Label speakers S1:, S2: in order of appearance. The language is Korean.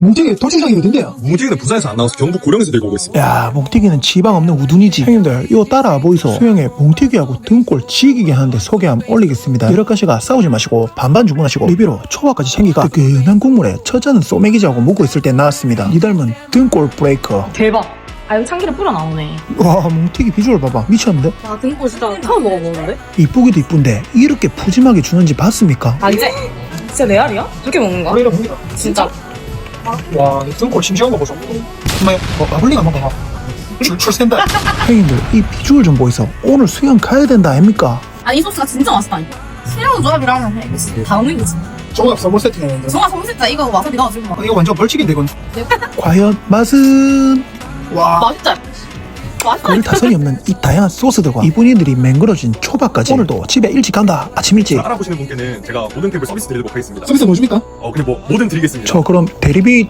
S1: 뭉티기 돌출장이 어딘데요?
S2: 뭉티기는 부산에서 안 나와서 경북 고령에서 들고 오고 있습니다.
S1: 야, 뭉티기는 지방 없는 우둔이지. 형님들 이거 따라와 보이소. 수영에 뭉티기하고 등골 지기게 하는데 소개함 올리겠습니다. 여러 가지가 싸우지 마시고 반반 주문하시고 리뷰로 초밥까지 챙기가 뜨끈한 국물에 처자는 소매기지하고 묵고 있을 때 나왔습니다. 니 닮은 등골 브레이커.
S3: 대박. 아, 여기 참기름 뿌려 나오네.
S1: 와, 뭉티기 비주얼 봐봐. 미쳤는데?
S3: 와, 등골 진짜 처음 먹어보는데?
S1: 이쁘기도 이쁜데 이렇게 푸짐하게 주는지 봤습니까?
S3: 아, 이제? 진짜 레알이야? 그렇게 먹는 거야?
S1: 우리는 봅니다.
S3: 진짜?
S1: 와, 이 등골 싱싱한 거 보소. 정말 마블링 한번 봐봐. 출센다. 형님들 이 비주얼 좀 보이소. 오늘 수영 가야 된다 아닙니까?
S3: 아니, 이 소스가 진짜 맛있다. 새로운 조합이라면 해. 이거 다 먹는 거지.
S1: 종합 선물 세팅했는데
S3: 정말 성실다. 이거 와사비 넣어주고 막.
S1: 이거 완전 벌칙인데 이건. 과연 맛은? 와,
S3: 맛있다. 맛있다.
S1: 별 타선이 없는 이 다양한 소스들과 이분이들이 맹글어진 초밥까지 오늘도 집에 일찍 간다. 아침 일찍.
S2: 알아보시는 분께는 제가 모든 탭을 서비스 드리도록 하겠습니다.
S1: 서비스 뭐 줍니까?
S2: 그냥 뭐 뭐든 드리겠습니다.
S1: 저 그럼 대리비